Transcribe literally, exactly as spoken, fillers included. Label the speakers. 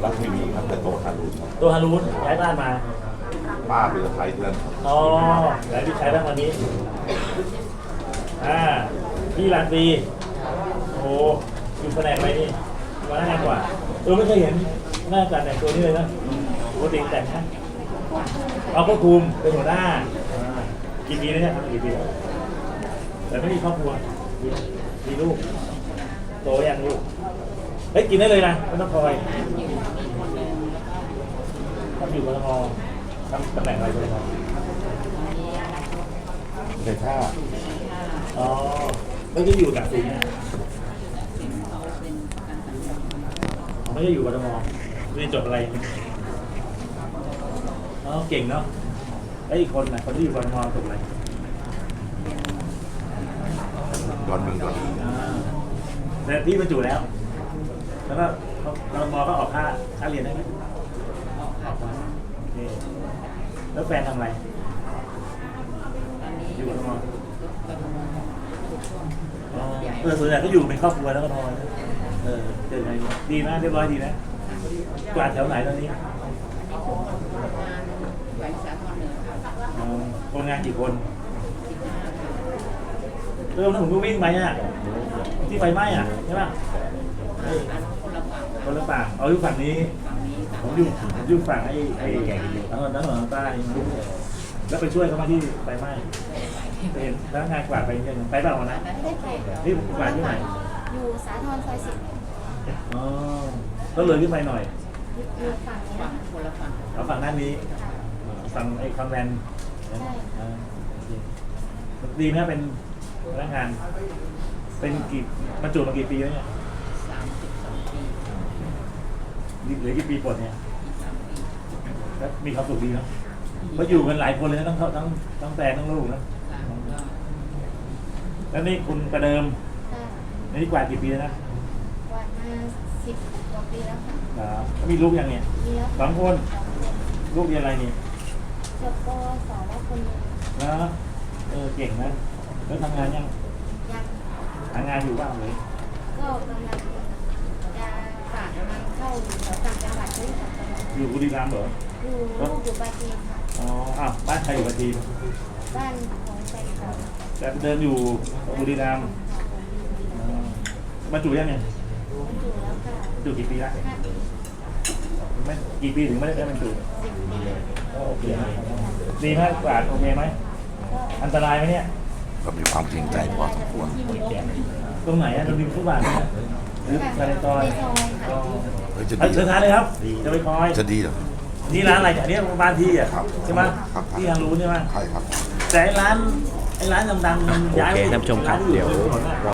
Speaker 1: รักไม่มีครับแต่โตทารุณครับ
Speaker 2: ตัวฮารุนย้ายบ้านมา
Speaker 1: ป้าเป็นสะใภ้ที่นั่น
Speaker 2: อ๋อแล้วพี่ชายบ้างวันนี้ อ่า พี่ลานปีโอ้โหอยู่แผนกอะไรนี่มาหน้างานกว่าเออไม่เคยเห็นหน้าการแต่งตัวนี้เลยนะปกติแต่งนะเอาควบคุมเป็นหัวหน้าอ่ากี่ปีแล้วเนี่ยทำมากี่ปีแล้วแต่ไม่มีครอบครัวมีมีลูก โตยังลูก เฮ้ยกินได้เลยนะไม่ต้องคอยทำอยู่กทมทำตำแหน่งอะไรกทม
Speaker 1: ในท่า
Speaker 2: อ๋อไม่ได้อยู่กับสิงห์ไม่ได้อยู่กทมเรียนจบอะไรอ๋อเก่งเนาะไอ้อีกคนน่ะคนที่อยู่กทมจบอะไร
Speaker 1: ดอนเมืองดอน
Speaker 2: อ่าแต่พี่บรรจุแล้ว แล้วก็กทมก็ออกค่าค่าเรียนได้ไหมออกมาโอเคแล้วแฟนทำอะไรอยู่กทมอ๋อเออส่วนใหญ่ก็อยู่เป็นครอบครัวแล้วก็นอนเออเจอไงดีนะเรียบร้อยดีนะกวาดแถวไหนตอนนี้
Speaker 3: แหวนสาทรเหนือค่ะ
Speaker 2: อ๋อคนงานกี่คนเริ่มแล้วผมก็วิ่งไปอ่ะที่ไฟไหม้อ่ะใช่ป่ะเออ
Speaker 3: อันคนละฝั่ง
Speaker 2: คนละฝั่งเอาอยู่ฝั่งนี้
Speaker 3: ฝั่งนี้ค่ะ
Speaker 2: ผมอยู่ผมอยู่ฝั่งไอ้ไอ้แก่ทั้งทั้งหลังใต้แล้วไปช่วยเขามาที่ไฟไหม้ไปเห็นพนักงานกวาดไปยังไปเปล่าวันนะ
Speaker 3: ไม่ได้ไปหรอก
Speaker 2: นี่กวาดที่ไหน
Speaker 4: อยู่สาทรซอยสิบ
Speaker 2: อ๋อก็เลยขึ้นไปหน่อย
Speaker 4: อยู่ฝั่งนี้
Speaker 3: ฝั่งคนละฝั่ง
Speaker 2: เอาฝั่งด้านนี้ฝั่งไอ้คอนแวนต์อ่าโอเคดีไหมเป็นพนักงาน เป็นกี่บรรจุมากี่ปีแล้วเนี่ย
Speaker 3: สามสิบสองปี
Speaker 2: เหลือกี่ปีปลดเนี่ย
Speaker 3: อีกสามปี
Speaker 2: แล้วมีความสุขดีเนาะเพราะอยู่กันหลายคนเลยนะทั้งเขาทั้งทั้งแฟนทั้งลูกนะ
Speaker 3: ค่ะก็
Speaker 2: แล้วนี่คุณประเดิม
Speaker 4: ค่ะ
Speaker 2: นี่กว่ากี่ปีแล้วนะ
Speaker 4: กวาดมาสิบกว่าปีแล้วค่ะ
Speaker 2: อ่าแล้วมีลูกยังเนี่ย
Speaker 4: มีแล้ว
Speaker 2: สองคน
Speaker 4: สองคน
Speaker 2: ลูกเรียนอะไรนี่
Speaker 4: จบปวสแล้วคนหนึง
Speaker 2: นะเออเก่งนะแล้วทำงานยัง
Speaker 4: ยัง
Speaker 2: หางานอยู่บ้างเลย
Speaker 4: ก็กำลังจะฝากงานเข้าอยู่แถวต่างจังหวัดด้วยค่ะ
Speaker 2: อยู่บุรีรัมย์เหรอ
Speaker 4: อยู่ลูกอยู่ปราจีนค่ะ
Speaker 2: อ๋ออ้าวบ้านใครอยู่ปัจจีน
Speaker 4: บ้านของแฟนเขา
Speaker 2: แต่เดินอยู่บุรีรัมย์อ๋อบรรจุยังเนี่ย
Speaker 4: อยู่แล้วค่ะ
Speaker 2: บรรจุกี่ปีละ
Speaker 4: ห้าปี
Speaker 2: ไม่กี่ปีถึงไม่ได้ได้บรรจุ
Speaker 4: สิบปี
Speaker 2: ก็โอเคนะดีไหมกวาดโอเคไหม
Speaker 4: ก็
Speaker 2: อันตรายไหมเนี่ย
Speaker 1: ก็มีความเกรงใจพอสมควร
Speaker 2: ตรงไหนอะตรงริมฟุตบาทเนี่ยหรือภายในซอย
Speaker 4: ในซอยค่ะ
Speaker 1: เฮ้ยจะ
Speaker 2: เอ้ย
Speaker 1: ดี
Speaker 2: เชิญทานเลยครับจะไปคอย
Speaker 1: จะดีเหรอ
Speaker 2: นี่ร้านอะไรเนี่ยอันนี้บ้านที่อ่ะ
Speaker 1: ครับ
Speaker 2: ใช่ไหม
Speaker 1: ครับ
Speaker 2: ที่ทางรู้ใช่ไหม
Speaker 1: ใช่ครับ
Speaker 2: แต่ไอ้ร้านไอ้ร้านดังๆมันย้ายไป
Speaker 5: โอเคท่านผู้ชมครับ
Speaker 2: านที่อ
Speaker 5: เดี๋ยว
Speaker 2: ริถนนอะ